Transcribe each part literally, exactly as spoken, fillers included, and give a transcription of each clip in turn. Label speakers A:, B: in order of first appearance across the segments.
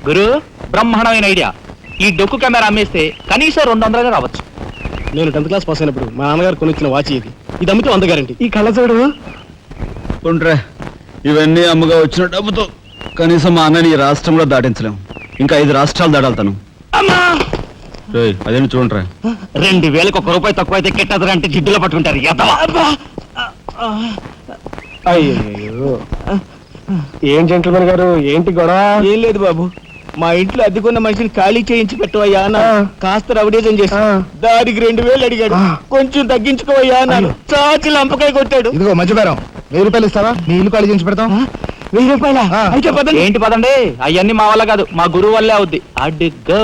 A: గురు బ్రహ్మాండమైన ఐడియా. ఈ డొక్కు కెమెరా అమ్మేస్తే కనీసం రెండు వందలుగా రావచ్చు.
B: నేను టెన్త్ క్లాస్ పాస్ అయినప్పుడు మా నాన్నగారు కొనిచ్చిన వాచ్ ఇది. ఇది అమ్మితే వంద గ్యారంటీ. ఈ కళ్ళజోడు
C: ఉంట్రా, ఇవన్నీ అమ్మగా వచ్చిన డబ్బుతో కనీసం మా అన్నని ఈ రాష్ట్రంలో దాటించలేం. ఇంకా ఐదు రాష్ట్రాలు దాడాలతాను. అదేంటి చూడరా,
A: రెండు వేలకు ఒక రూపాయి తక్కువ అయితే కెట్టదురంటే జిడ్డులో పట్టుకుంటారు.
B: అయ్యో, ఏం జెంట్లమన్ గారు, ఏంటి గొడవ?
D: ఏం లేదు బాబు, మా ఇంట్లో అద్దెకున్న మనిషిని ఖాళీ చేయించి పెట్టవయ్యా అన్న. కాస్త రవిడేజం చేసి దానికి రెండు వేలు అడిగాడు. కొంచెం తగ్గించుకోవయ్యా అన్నాను. చాచి లంపకాయ కొట్టాడు.
B: ఇదిగో మధ్యపేరం, వెయ్యి రూపాయలు ఇస్తావా? నీ ఇల్లు ఖాళీ చేయించి పెడతాం.
D: వెయ్యి రూపాయల అయితే పదండి.
A: ఏంటి పదండి, అవన్నీ మా వల్ల కాదు, మా గురువు వల్లే అవుద్ది. అడ్డుగో.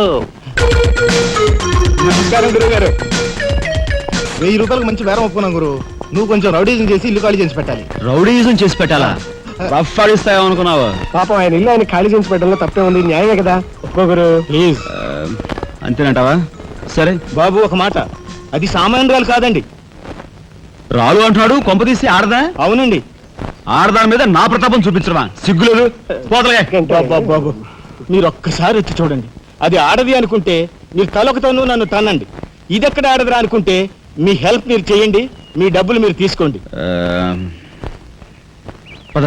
B: నమస్కారం గురువు గారు. వెయ్యి రూపాయలకు మంచి బేరం ఒప్పుకున్నాం గురు. నువ్వు కొంచెం రౌడీజం చేసి ఇల్లు ఖాళీ చేసి పెట్టాలి.
C: రౌడీజం చేసి పెట్టాలా? రఫ్ ఆడిస్తాయో అనుకున్నావా?
B: పాపం ఆయన ఇల్లు ఆయన ఖాళీ చేసి పెట్టడంలో తప్పే ఉంది. న్యాయమే కదా. ఒప్పుకో గురు ప్లీజ్.
C: అంతేనంటావా? సరే
D: బాబు ఒక మాట, అది సామాన్యురాలు కాదండి.
C: రాలు అంటున్నాడు, కొంపదీసి ఆడదా?
D: అవునండి.
C: ఆడదాని మీద నా ప్రతాపం చూపించడమా? సిగ్గులేదు. పోతలే.
D: బాబు బాబు మీరు ఒక్కసారి వచ్చి చూడండి. అది ఆడది అనుకుంటే మీరు తలొకతోనూ నన్ను తన్నండి. ఇదెక్కడ ఆడదురా అనుకుంటే మీ హెల్ప్ మీరు చేయండి, మీ డబ్బులు మీరు తీసుకోండి.
C: పద.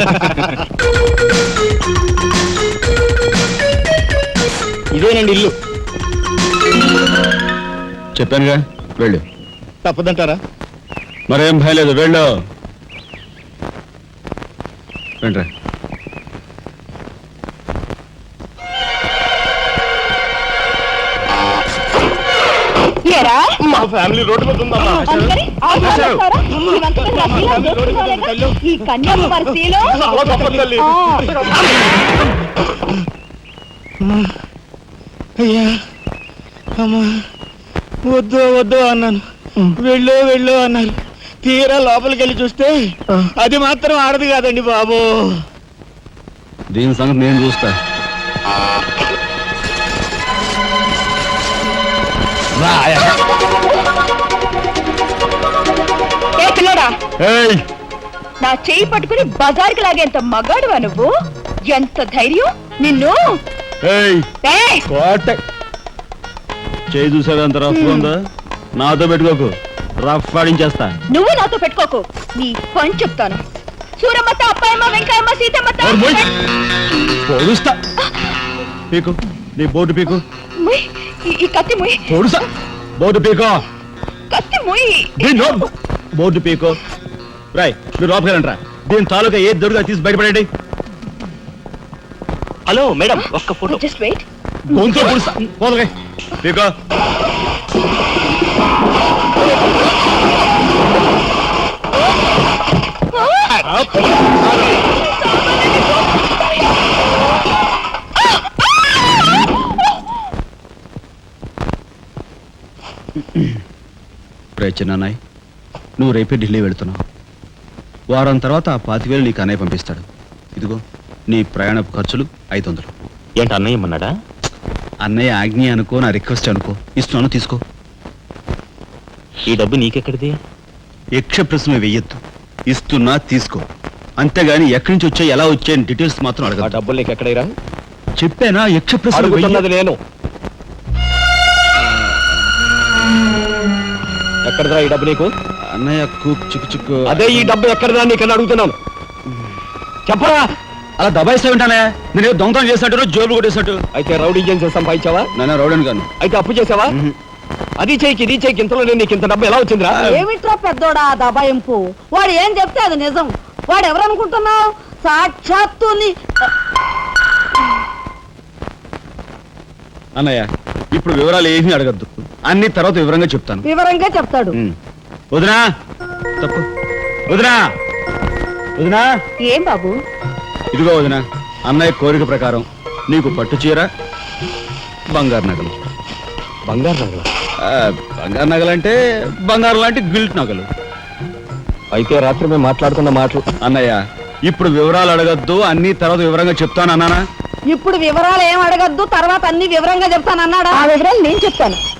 D: ఇదేనండి ఇల్లు.
C: చెప్పానుగా, వెళ్ళు.
D: తప్పదంటారా?
C: మరేం భయం లేదు, వెళ్ళు. వెంట్రా.
B: మా ఫ్యామిలీ రోడ్డు మీద ఉందమ్మా.
E: ఈ కన్యాకుమారి స్త్రీలో
D: అయ్యా అమ్మా, వద్దు వద్దు అన్నాను. వెళ్ళు వెళ్ళు అన్నారు. తీరా లోపలికి వెళ్ళి చూస్తే అది మాత్రం ఆడదు కాదండి బాబు.
C: దీని సంగతి నేను చూస్తా.
E: నా చెయ్యి పట్టుకుని బజార్కి లాగేంత మగాడువా నువ్వు? ఎంత ధైర్యం నిన్ను!
C: చేయి చూసావు ఎంత రఫ్ ఉందా? నాతో పెట్టుకోకు, రఫ్ ఆడించేస్తా.
E: నువ్వు నాతో పెట్టుకోకు, నీ పని చెప్తాను. సూరమ్మత, అప్పాయమ్మ, వెంకాయమ్మ, సీతమ్మత.
C: పొడుస్తా. పీకు, నీ బోటు పీకు.
E: ఈ కత్తి ముయ్.
C: పొడుస్తా. బోటు పీకో.
E: కత్తి ముయ్.
C: బోర్డు పీకో. రాయ్, మీరు లోపకెళ్ళంట్రా. దీని తాలూకా ఏ దొరుకుతా తీసి బయటపడండి.
A: హలో మేడం, ఒక్క ఫోటో.
E: Just wait.
C: గొంతు పుడుస్తా. పోదలే పీకో. చిన్నాయ్, నువ్వు రేపే ఢిల్లీ వెళుతున్నావు. వారం తర్వాత ఆ పాతివేలు నీకు అన్నయ్య పంపిస్తాడు. ఇదిగో నీ ప్రయాణపు ఖర్చులు ఐదు వందలు.
A: ఏంటి అన్నయ్య ఏమన్నాడా?
C: అన్నయ్య ఆజ్ఞ అనుకో, నా రిక్వెస్ట్ అనుకో. ఇస్తున్నాను, తీసుకో.
A: ఈ డబ్బు నీకెక్కడిది?
C: యక్ష ప్రశ్న వెయ్యొద్దు. ఇస్తున్నా, తీసుకో. అంతేగాని ఎక్కడి నుంచి వచ్చాయి, ఎలా వచ్చాయని డీటెయిల్స్ మాత్రం అడగ.
A: డబ్బులు నీకు ఎక్కడైరా?
C: చెప్పానా? యక్ష ప్రశ్న
A: నేను. ఎక్కడదా ఈ డబ్బు నీకు?
C: అన్నయ్య కూక్ చిక్కు చిక్కు.
A: అదే ఈ డబ్బు ఎక్కడదా నీకన్నా అడుగుతున్నాను. చెప్పరా?
C: అలా దబాయిస్తా ఉంటానే. నేను దొంగతనం చేసినట్టు, జోబులు కొట్టేసినట్టు.
A: అయితే రౌడీ చేసి సంపాదించావా?
C: నాన్న రౌడీని కాను.
A: అయితే అప్పు చేసావా? అది చేయికి ఇది చేయికి ఇంతలో నేను నీకు ఇంత డబ్బు ఎలా వచ్చిందిరా?
E: ఏమిట్రా పెద్దోడా దబాయింపు? వాడు ఏం చెప్తే అది నిజం. వాడు ఎవరనుకుంటున్నావు? సాక్షాత్తు
C: అన్నయ్య, ఇప్పుడు వివరాలు ఏమీ అడగద్దు. అన్ని తర్వాత వివరంగా చెప్తాను.
E: వివరంగా చెప్తాడు.
C: వదినా, తప్పు. వదినా, వదినా.
E: ఏం బాబు?
C: ఇదిగో వదినా, అన్నయ్య కోరిక ప్రకారం నీకు పట్టు చీర, బంగారు నగలు.
A: బంగారు నగలు?
C: బంగారు నగలంటే బంగారు లాంటి గిల్ట్ నగలు.
A: అయితే రాత్రి మేము మాట్లాడుకున్న మాటలు.
C: అన్నయ్య, ఇప్పుడు వివరాలు అడగద్దు, అన్ని తర్వాత వివరంగా చెప్తాను అన్నానా?
E: ఇప్పుడు వివరాలు ఏం అడగద్దు, తర్వాత అన్ని వివరంగా చెప్తాను అన్నాడా? ఆ వివరాలు నేను చెప్తాను.